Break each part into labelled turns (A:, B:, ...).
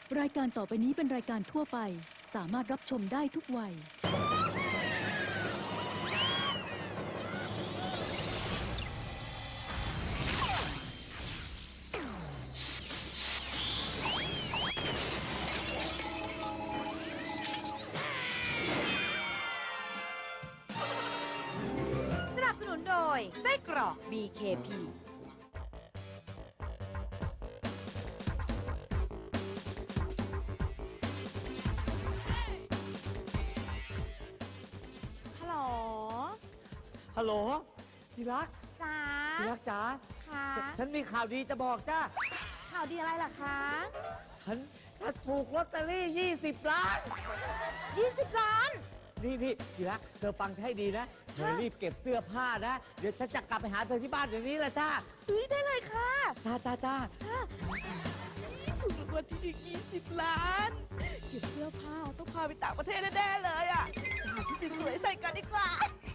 A: รายการต่อไปนี้เป็นรายการทั่วไปสามารถรับชมได้ทุกวัย
B: สนับสนุนโดยไส้กรอก BKP
C: ฮัลโหลที่รัก
B: จ้า
C: ที่รักจ๋า
B: ค่ะ
C: ฉันมีข่าวดีจะบอกจ้า
B: ข่าวดีอะไรล่ะคะ
C: ฉันถูกลอตเตอรี่20 ล้าน
B: 20 ล้าน
C: นี่ที่รักเธอฟังให้ดีนะเธอรีบเก็บเสื้อผ้านะเดี๋ยวฉันจะกลับไปหาเธอที่บ้านเดี๋ยวนี้แหละจ้า
B: ได้เลยค่ะ
C: จ้า
D: ถูกรางวัลที่1 20 ล้าน เก็บเสื้อผ้าต้องพาไปต่างประเทศแน่ๆเลยอ่ะไปหาชุดสวยๆใส่กันดีกว่า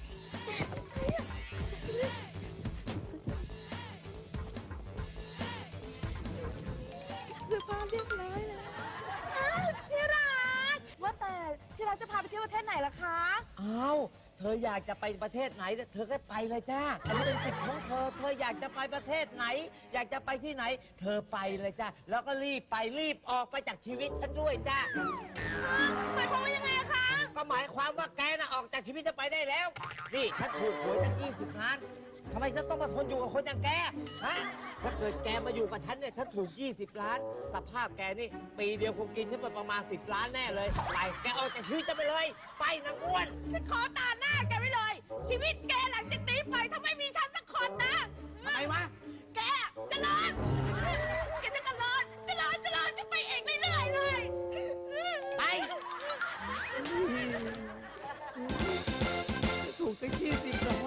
D: เสื้อผ้าเรียบร้อยแล้ว
B: ที่รัก ว่าแต่ที่รักจะพาไปเที่ยวประเทศไหนล่ะคะ
C: อ้าวเธออยากจะไปประเทศไหนเธอก็ไปเลยจ้าอันนี้เป็นสิทธิ์ของเธอเธออยากจะไปประเทศไหน อยากจะไปที่ไหน เธอไปเลยจ้าแล้วก็รีบไปรีบออกไปจากชีวิตฉันด้วยจ้า
B: หมายความว่ายังไงอะคะ
C: ก็หมายความว่าแกน่ะออกจากชีวิตจะไปได้แล้ว นี่ฉันถูกหวยตั้ง20 ล้านทำไมฉันต้องมาทนอยู่กับคนอย่างแก ฮะ ถ้าเกิดแกมาอยู่กับฉันเนี่ยฉันถูก20 ล้าน สภาพแกนี่ปีเดียวคงกินฉันไปประมาณ10 ล้านแน่เลย ไป แกออกจากชีวิตจะไปเลย ไปนางอ้วน
D: ฉันขอตาหน้าแกไว้เลย ชีวิตแกหลังจากนี้ไปถ้าไม่มีฉันสักคนนะ
C: ทำไมวะ
D: แกเจริญแกจะเจริญจะไปเองเรื่อยๆเลย
C: ไป ถูกตั้ง20 ล้าน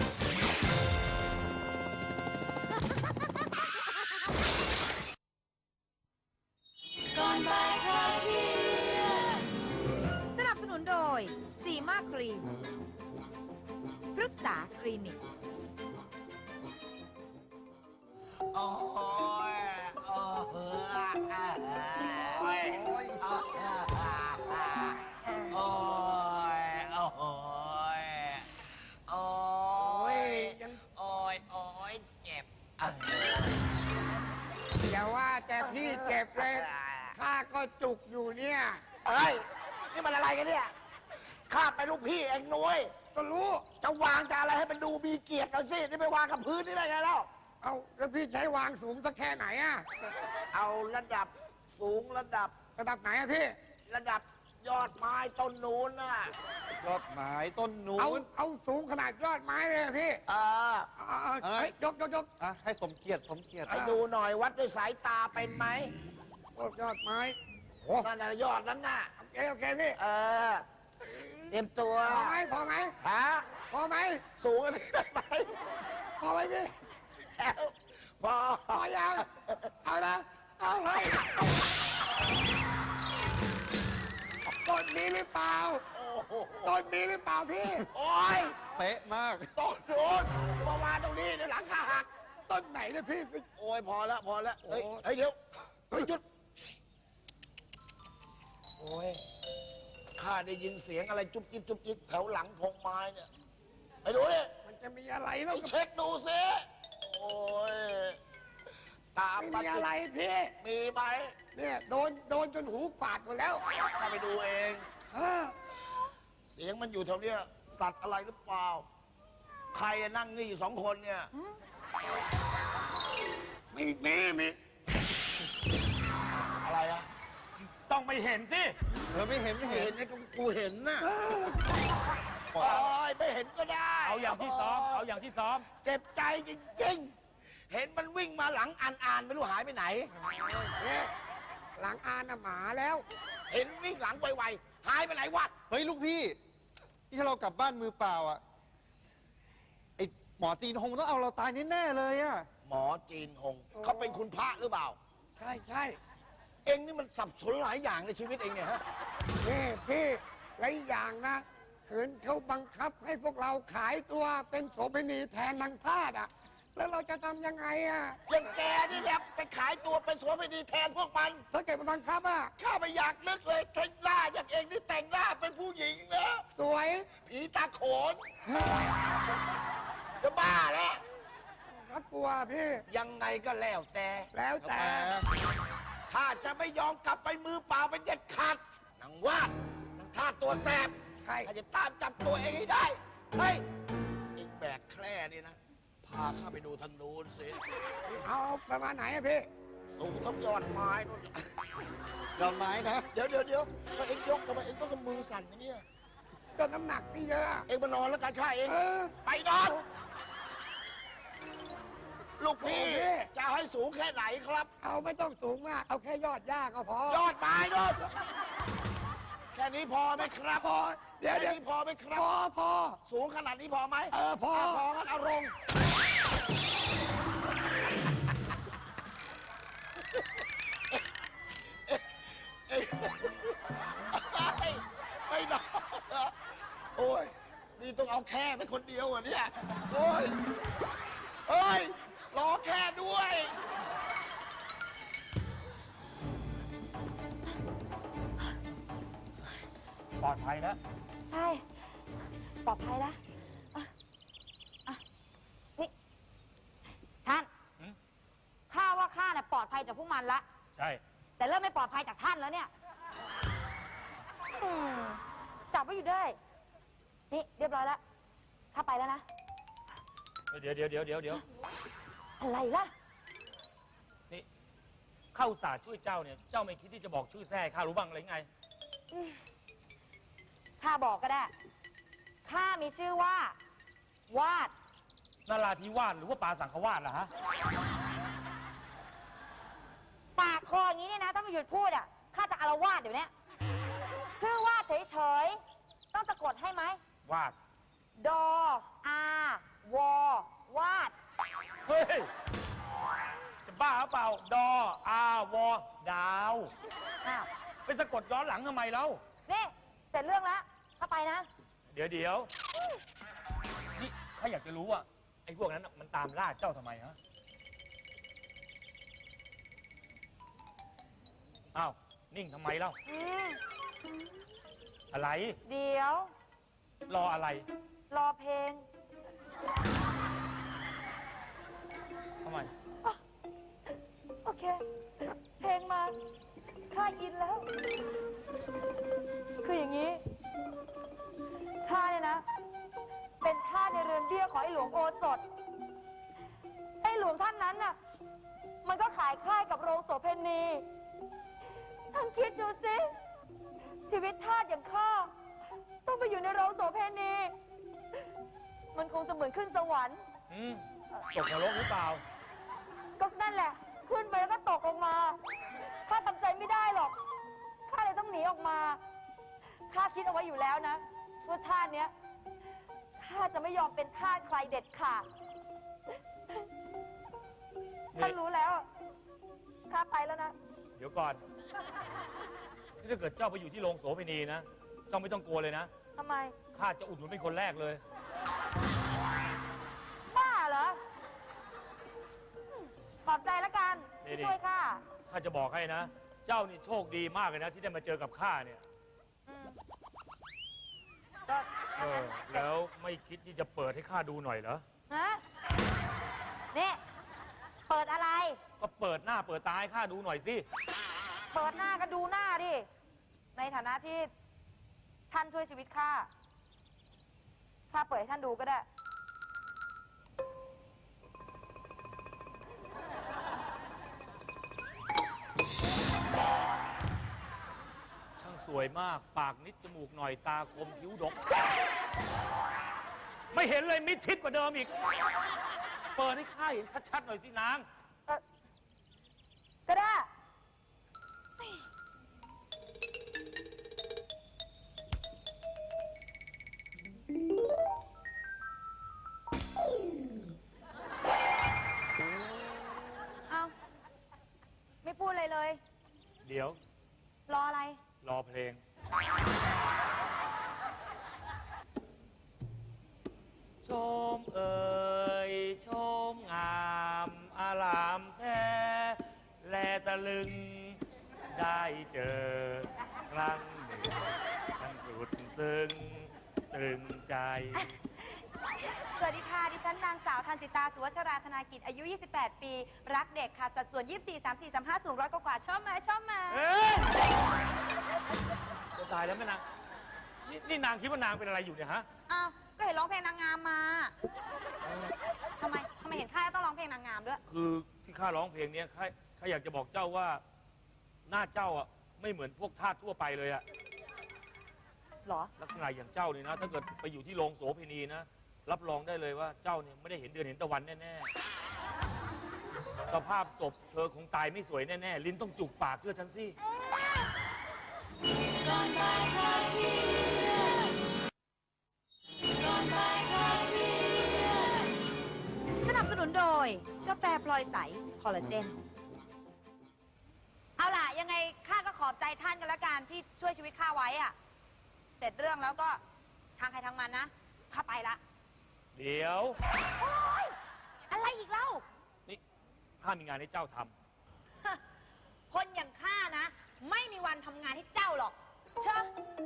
B: สนับสนุนโดยซีมาครีมปรึกษาคลินิก
E: โอ้ยโอ้โหโอ้ยโอ้ยโอ้ยโอ้โหโอ้ยโอ้ยโอ้ยเจ็บ
F: อย่าว่าแต่พี่เจ็บเลยข้าก็จุกอยู่เนี่ย
E: เฮ้ย นี่มันอะไรกันเนี่ย ข้าไปลูกพี่เองนุ้ย
F: ก็รู้
E: จะวางจะอะไรให้มันดูมีเกียรติหน่อยสิ นี่ไปวางกับพื้นนี่ได้ไงแล้ว
F: เอาแล้วพี่ใช้วางสูงสักแค่ไหนอะ
E: เอาระดับสูงระดับ
F: ระดับไหนอะพี่
E: ระดับยอดไม้ต้นนู้นน่ะ
G: ยอดไม้ต้นนู้
F: เอาสูงขนาดยอดไม้เลยอะพี่
E: เออ
F: เอาเฮ้ยยก
G: อ่ะให้สมเกียรติสมเกียรติ
E: ให้ดูหน่อยวัดด้วยสายตาเป็นไหม
F: ยอดไม้
E: นั่นน่ะยอดนั้นน่ะ
F: โอเคพี่
E: เออ เตรียมตัว
F: พอไหม
E: ฮะ
F: พอไหม
E: สูงอันนี้ได้ไหม
F: พอไหมพี่
E: แล้วพอ
F: พอยังเอานะเอาเฮ้ยต้นนี้หรือเปล่า
E: โอ้โห
F: ต้นนี้หรือเปล่าพี่
E: โอ้ย
G: เป๊ะมาก
E: ต้นนู้นมามาตรงนี้เดี๋ยวหลังขาหัก
F: ต้นไหนเนี่ยพี่
E: โอ้ยพอแล้วพอแล้วเฮ้ย
F: โอ้
E: เฮ้ยเดี๋ยวเฮ้ยหยุด โอ้ยข้าได้ยินเสียงอะไรจุ๊บจิ๊บจุ๊บจิ๊บแถวหลังพงไม้เนี่ยไปดูดิ
F: มันจะมีอะไร
E: ไป
F: แล้ว
E: เช็คดูสิโอ้ยตาม
F: ไม่มีอะไรพี่
E: มีไหม
F: เนี่ยโดนจนหูฝาดหมดแล้ว
E: ข้าไปดูเอง
F: เออ
E: เสียงมันอยู่แถวเนี้ยสัตว์อะไรหรือเปล่า ใครนั่งนี่อยู่2 คนเนี่ย
F: มี
E: อะไรอะ
C: ต้องไม่เห็นสิ
G: เธอไม่เห็น
E: เห็นไอ้กูเห็นน่ะโอ้ยไม่เห็นก็ได้
C: เอาอย่างที่ซ้อม เอาอย่างที่ซ้อม
E: เจ็บใจจริงๆ เห็นมันวิ่งมาหลังอ่านไม่รู้หายไปไหน
F: เนี่ยหลังอานน่ะหมาแล้ว
E: เห็นวิ่งหลังไวๆหายไปไหนวะ
G: เฮ้ยลูกพี่นี่ถ้าเรากลับบ้านมือเปล่าอ่ะไอหมอจีนคงต้องเอาเราตายแน่ๆเลยอ่ะ
E: หมอจีนหงเขาเป็นคุณพระหรือเปล่า
F: ใช่
E: เองนี่มันสับสนหลายอย่างในชีวิตเองเนี่ยฮะ
F: พี่และอีกอย่างนะขืนเขาบังคับให้พวกเราขายตัวเป็นโสเภณีแทนนางทาสอ่ะแล้วเราจะทำยังไงอ่ะ
E: อย่างแกนี่แหละไปขายตัวเป็นโสเภณีแทนพวกมัน
F: ถ้าเกิดมันบังคับอ่ะ
E: ข้าไม่อยากนึกเลยแต่งหน้าอย่างเองนี่แต่งหน้าเป็นผู้หญิงนะ
F: สวย
E: ผีตาโขน จะบ้าแล้ว
F: ก็กลัวพี่
E: ยังไงก็แล้วแต่
F: แล้วแต่
E: ข้าจะไม่ยอมกลับไปมือเปล่าเป็นเด็ดขาดนางวาดนางท่าตัวแสบ
F: ใคร
E: ข้าจะตามจับตัวเองให้ได้ เฮ้ยเองแบกแคร่นี่นะ พาข้าไปดูทางนู้นสิ
F: เอาประมาณไหนอะพี่
E: สูงทั้งยอดไม้นู่น
G: ยอมไม้นะ
E: เดี๋ยวถ้าเองยกทำไมเองต้องมือสั่นอย่างเนี่ย
F: ก็น้ำหนักพี่เยอะอะ
E: เองมานอนแล้วกันข้าเอง
F: เออ
E: ไปนอน ลูกพี่
F: โอเค
E: จะเอาให้สูงแค่ไหนครับ
F: เอาไม่ต้องสูงมาก เอาแค่ยอดหญ้าก็พอย
E: อดไม้นู่นแค่นี้พอไหมครับ
F: พอ เดี๋ยว
E: แค่
F: เดี๋ยว
E: นี้พอไหมครับ
F: พอ
E: สูงขนาดนี้พอไหม
F: พอ
E: พองั้นเอาลงไม่นอนเหรอโอ้ย นี่ต้องเอาแค่ไปคนเดียวเหรอ่ะเนี่ย โอ้ยเฮ้ย รอแค่ด้วย
H: ปลอดภัยนะ
B: ใช่ ปลอดภัยแล้วนี่ท่าน
H: หืม
B: ข้าว่าข้าเนี่ยปลอดภัยจากพวกมันละ
H: ใช่
B: แต่เริ่มไม่ปลอดภัยจากท่านแล้วเนี่ยจับไว้อยู่ได้ นี่เรียบร้อยแล้วข้าไปแล้วนะ
H: เดี๋ยว
B: อะไรล่ะ
H: นี่เข้าอุตสาห์ช่วยเจ้าเนี่ย เจ้าไม่คิดที่จะบอกชื่อแท้ให้ข้ารู้บ้างเลยไง
B: ข้าบอกก็ได้ ข้ามีชื่อว่า วาด
H: นาราธิวาสหรือว่าปาสังขวาสล่ะฮะ
B: ปากคออย่างนี้เนี่ยนะ ถ้าไม่หยุดพูดอ่ะ ข้าจะอารวาสเดี๋ยวนี้ชื่อวาดเฉยๆ ต้องสะกดให้ไหม
H: วาด
B: ดออาวอวาด
H: เฮ้ย จะบ้าหรือเปล่า ดอ อาวอ ดาว
B: อ้าว
H: ไปสะกดย้อนหลังทำไมแล้ว
B: นี่ เสร็จเรื่องแล้วเข้าไปนะ
H: เดี๋ยวนี่ข้าอยากจะรู้ว่าไอ้พวกนั้นน่ะมันตามล่าเจ้าทำไมฮะ อ้าว นิ่งทำไมเล่า
B: อืม
H: อะไร
B: เดี๋ยว
H: รออะไร
B: รอเพลง
H: ทำไม
B: โอเค เพลงมา ข้าอินแล้ว คืออย่างนี้ ข้าเนี่ยนะ เป็นทาสในเรือนเบี้ยของไอ้หลวงโอสถ ไอ้หลวงท่านนั้นน่ะ มันก็ขายค่ายกับโรงโสเภณี ท่านคิดดูสิ ชีวิตทาสอย่างข้า ต้องไปอยู่ในโรงโสเภณี มันคงจะเหมือนขึ้นสวรรค์
H: ตกนรกหรือเปล่า
B: ก็นั่นแหละ ขึ้นไปแล้วก็ตกลงมา ข้าทำใจไม่ได้หรอก ข้าเลยต้องหนีออกมา ข้าคิดเอาไว้อยู่แล้วนะว่าชาติเนี้ย ข้าจะไม่ยอมเป็นทาสใครเด็ดขาด
H: นี่
B: ท่านรู้แล้ว ข้าไปแล้วนะ
H: เดี๋ยวก่อนนี่ถ้าเกิดเจ้าไปอยู่ที่โรงโสเภณีนะ เจ้าไม่ต้องกลัวเลยนะ
B: ทำไม
H: ข้าจะอุดหนุนเป็นคนแรกเลย
B: บ้าเหรอขอบใจแล้วกัน
H: นี่
B: ที่ช่วยข้า
H: ข้าจะบอกให้นะ เจ้านี่โชคดีมากเลยนะ ที่ได้มาเจอกับข้าเนี่ย
B: ก็
H: แล้วไม่คิดที่จะเปิดให้ข้าดูหน่อยเหรอ
B: ฮะนี่ เปิดอะไร
H: ก็เปิดหน้าเปิดตาให้ข้าดูหน่อยสิ
B: เปิดหน้าก็ดูหน้าดิ ในฐานะที่ท่านช่วยชีวิตข้า ข้าเปิดให้ท่านดูก็ได้
H: ช่างสวยมาก ปากนิดจมูกหน่อยตาคมคิ้วดก ไม่เห็นเลยมิดชิดกว่าเดิมอีก เปิดให้ข้าเห็นชัดๆหน่อยสินาง
B: ก็ได้ เอาไม่พูดเลยเลย
H: เดี๋ยว
B: รออะไร
H: รอเพลง ชมเอ่ยชมงาอารามแท้แลตะลึง ได้เจอครั้งหนึ่งทั้งสุดซึ้งตรึงใจ
B: สวัสดีค่ะ ดิฉันนางสาวทันสิตา สุวัชราธนากิจ อายุ 28 ปี รักเด็กค่ะ สัดส่วน 24 34 35 สูง100 กว่าชอบไหมชอบไหม
H: เอ้ยจะตายแล้วแม่นางนี่นางคิดว่านางเป็นอะไรอยู่เนี่ยฮะ
B: อ้าว ก็เห็นร้องเพลงนางงามมาทำไมเห็นข้าต้องร้องเพลงนางงามด้วย
H: คือที่ข้าร้องเพลงเนี้ยข้าอยากจะบอกเจ้าว่าหน้าเจ้าอ่ะไม่เหมือนพวกทาสทั่วไปเลยอ่ะ
B: เหรอ
H: ลักษณะอย่างเจ้านี่นะ ถ้าเกิดไปอยู่ที่โรงโสเภณีนะรับรองได้เลยว่าเจ้าเนี่ยไม่ได้เห็นเดือนเห็นตะวันแน่ๆสภาพศพเธอคงตายไม่สวยแน่ๆลิ้นต้องจุกปากเชื่อฉันสิ
B: สนับสนุนโดยกาแฟพลอยใส คอลลาเจน เอาล่ะ ยังไงข้าก็ขอบใจท่านกันละกันที่ช่วยชีวิตข้าไว้อะเสร็จเรื่องแล้วก็ทางใครทางมันนะข้าไปละ
H: เดี๋ยว
B: โอ๊ยอะไรอีกเล่า
H: นี่ข้ามีงานให้เจ้าทำ
B: คนอย่างข้านะ ไม่มีวันทำงานให้เจ้าหรอกเชอะ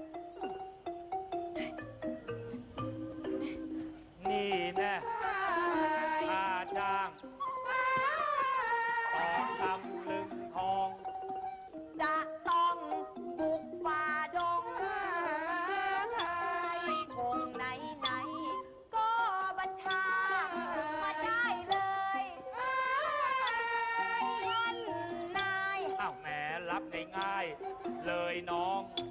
H: นี่แน่ข้าจ้างออกตำลึงทอง
B: จะต้องบุกฝ่าดงไม่คงไหนก็บัญชามาได้เลยท่านนาย
H: อ้าวแหมรับง่ายๆเลยน้อง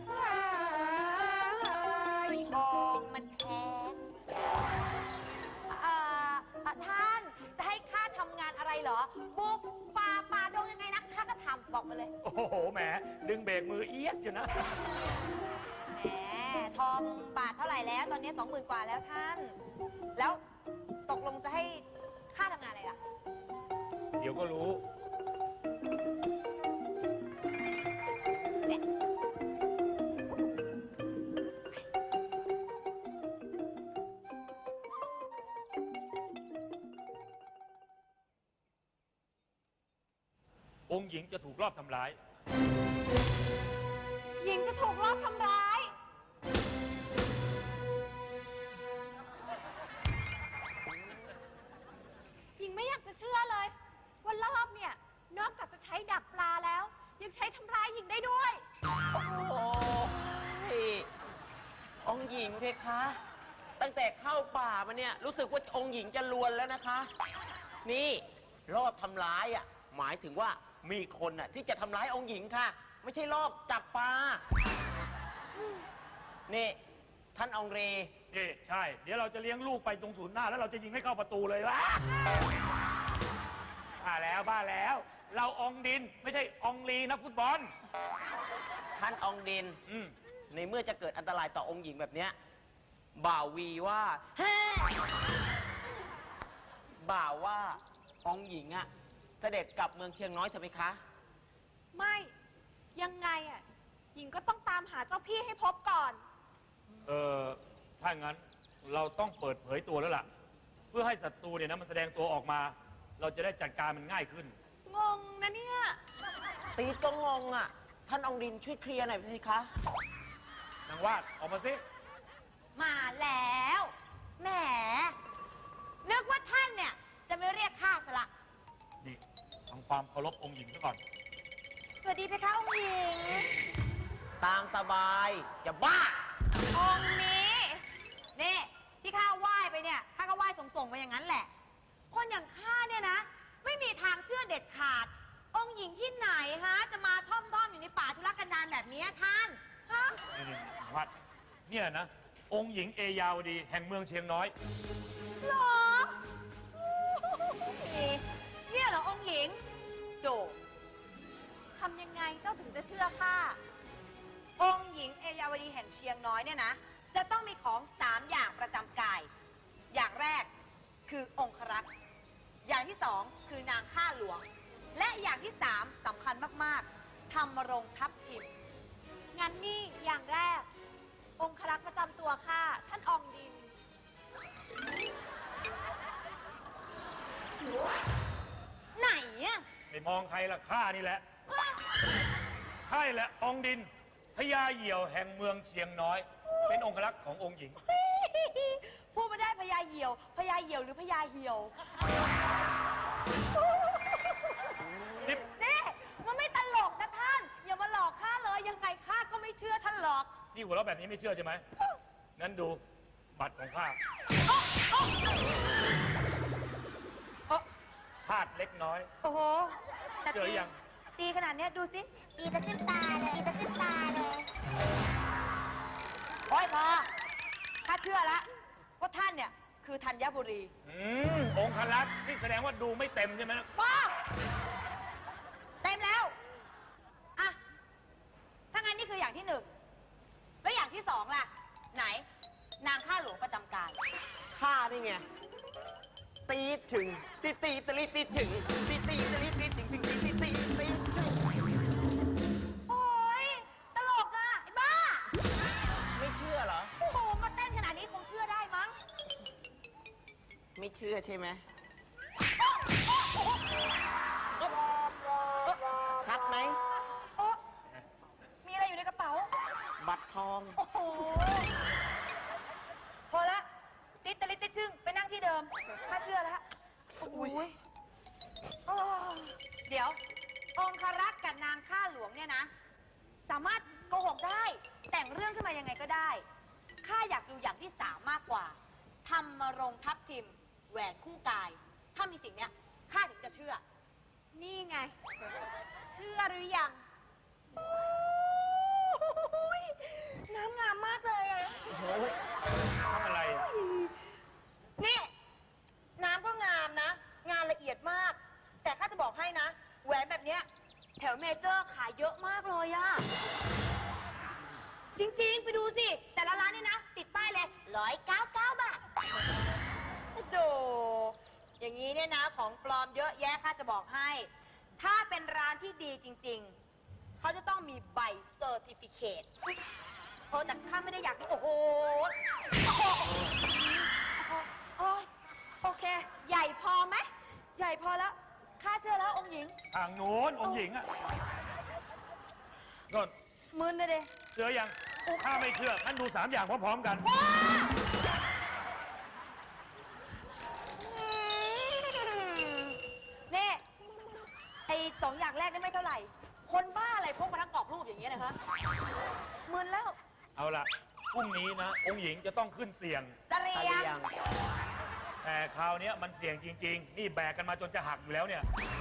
B: ทองมันแพงท่านจะให้ข้าทำงานอะไรเหรอ บุกฝ่าดงยังไงนะข้าก็ทำบอกมาเลย
H: โอ้โหแหมดึงเบรกมือเอียดเชียวนะ
B: แหมทองบาทเท่าไหร่แล้ว ตอนนี้ 20,000 กว่าแล้วท่าน แล้วตกลงจะให้ข้าทำงานอะไรล่ะ
H: เดี๋ยวก็รู้ องค์หญิงจะถูกลอบทำร้าย
B: หญิงจะถูกลอบทำร้าย
I: หญิงไม่อยากจะเชื่อเลยว่ารอบเนี่ย นอกจากจะใช้ดักปลาแล้ว ยังใช้ทำร้ายหญิงได้ด้วย
J: โอ้ยองค์หญิงเพคะ ตั้งแต่เข้าป่ามาเนี่ยรู้สึกว่าองค์หญิงจะลวนแล้วนะคะ นี่รอบทำร้ายอ่ะหมายถึงว่ามีคนอ่ะที่จะทำร้ายองค์หญิงค่ะ ไม่ใช่รอบจับปลานี่ท่านองเร
H: นี่ใช่ เดี๋ยวเราจะเลี้ยงลูกไปตรงศูนย์หน้าแล้วเราจะยิงให้เข้าประตูเลยวะบ้าแล้ว เราอองดินไม่ใช่อองลีนะฟุตบอล
J: ท่านองดิน ในเมื่อจะเกิดอันตรายต่อองค์หญิงแบบเนี้ยบ่าววีว่าบ่าวว่าองค์หญิงอะเสด็จกลับเมืองเชียงน้อยเถอะไหมคะ
I: ไม่ยังไงอ่ะ หญิงก็ต้องตามหาเจ้าพี่ให้พบก่อน
H: ถ้างั้นเราต้องเปิดเผยตัวแล้วล่ะ เพื่อให้ศัตรูเนี่ยนะมันแสดงตัวออกมา เราจะได้จัดการมันง่ายขึ้น
I: งงนะเนี่ย
J: ตีก็งงอะท่านองดินช่วยเคลียร์หน่อยสิคะ
H: นางวาดออกมาสิ
B: มาแล้วแหมนึกว่าท่านเนี่ย จะไม่เรียกข้าซะละ
H: นี่ทำความเคารพองค์หญิงซะก่อน
B: สวัสดีเพคะองค์หญิง
J: ตามสบายจะบ้า
B: องค์นี้นี่ที่ข้าไหว้ไปเนี่ยข้าก็ไหว้ส่งๆไปอย่างนั้นแหละ คนอย่างข้าเนี่ยนะ ไม่มีทางเชื่อเด็ดขาด องค์หญิงที่ไหนฮะ จะมาท่อมๆอยู่ในป่าทุรกันดารแบบนี้ท่านฮะ
H: นี่วาดเนี่ยนะ องค์หญิงเอยาวดีแห่งเมืองเชียงน้อย
B: หรอเนี่ยเหรอองค์หญิงโดทำยังไงเจ้าถึงจะเชื่อข้าองค์หญิงเอยาวดีแห่งเชียงน้อยเนี่ยนะ จะต้องมีของ3 อย่างประจำกาย อย่างแรกคือองครักษ์อย่างที่2คือนางข้าหลวง และอย่างที่3สำคัญมากๆธรรมรงค์ทัพทิม
I: งั้นนี่อย่างแรก องครักษ์ประจำตัวข้าท่านอองดินอะ
H: ไม่มองใครละข้านี่แหละข้านี่แหละองค์ดินพญาเหยี่ยวแห่งเมืองเชียงน้อย เป็นองครักษ์ขององค์หญิง
B: พูดไม่ได้พญาเหี่ยวพญาเหี่ยวหรือพญาเหี่ยว
H: นี่
B: นี่มันไม่ตลกนะท่าน อย่ามาหลอกข้าเลย ยังไงข้าก็ไม่เชื่อท่านหรอก
H: นี่หัวเราะแบบนี้ไม่เชื่อใช่ไหมงั้นดูบัตรของข้าพลาดเล็กน้อย
B: โอ้โหแต่
H: เจอยัง
B: ตีขนาดเนี้ยดูสิ ตีตะขึ้นตาเลยตีตะขึ้นตาเลยโอ้ยพอข้าเชื่อแล้วว่าท่านเนี่ยคือธัญบุรี
H: องครักษ์นี่แสดงว่าดูไม่เต็มใช่ไหม
B: ป้าเต็มแล้วอะถ้างั้นนี่คืออย่างที่หนึ่งแล้วอย่างที่สองล่ะ ไหน นางข้าหลวงประจำการ
J: ข้านี่ไง ตีถึง ตีตีตะลิตีถึง ตีตีตะลิตีถึง ตีตีตีตีตีถึง
B: โอ้ยตลกอ่ะไอ้บ้า
J: ไม่เชื่อเหรอ
B: โอ้โหมาเต้นขนาดนี้คงเชื่อได้มั้ง
J: ไม่เชื่อใช่ไหม ชัดไหม
B: โอ๊ะมีอะไรอยู่ในกระเป๋า
J: บัตรทอง
B: โอ้โห พอละติดตะลิดติดชึ่งไปนั่งที่เดิมข้าเชื่อแล้วโอ้ยโอ้เดี๋ยว องครักษ์กับนางข้าหลวงเนี่ยนะ สามารถโกหกได้ แต่งเรื่องขึ้นมายังไงก็ได้ ข้าอยากดูอย่างที่สามมากกว่าทำมรงทับทิม แหวนคู่กาย ถ้ามีสิ่งเนี้ยข้าถึงจะเชื่อ
I: นี่ไง เชื่อหรือยัง
B: น้ำงามมากเลยอะ
H: ทำอะไรอะ
B: นี่ น้ำก็งามนะ งานละเอียดมาก แต่ข้าจะบอกให้นะ แหวนแบบเนี้ยแถวเมเจอร์ขายเยอะมากเลยอะจริงๆ ไปดูสิ แต่ละร้านนี่นะ ติดป้ายเลย199 บาทโดอย่างนี้เนี่ยนะ ของปลอมเยอะแยะข้าจะบอกให้ ถ้าเป็นร้านที่ดีจริงๆ เขาจะต้องมีใบเซอร์ติฟิเคตแต่ข้าไม่ได้อยากดูโอ้โห โอเค ใหญ่พอไหม ใหญ่พอแล้ว ข้าเชื่อแล้วองค์หญิง
H: ทางโน้นองค์หญิงอ่ะก็
B: มึนเลยเด้
H: เชื่อยังถ้าไม่เชื่องั้นดู3 อย่างพร้อมๆกัน
B: นี่ไอ้2 อย่างแรกนี่ไม่เท่าไหร่ คนบ้าอะไรพกมาทั้งกรอบรูปอย่างเงี้ยนะคะมึนแล้ว
H: เอาล่ะพรุ่งนี้นะ องค์หญิงจะต้องขึ้นเสี่ยง
B: เสรียง
H: แต่คราวเนี้ยมันเสี่ยงจริง ๆ นี่แบกกันมาจนจะหักอยู่แล้วเนี่ย
B: โ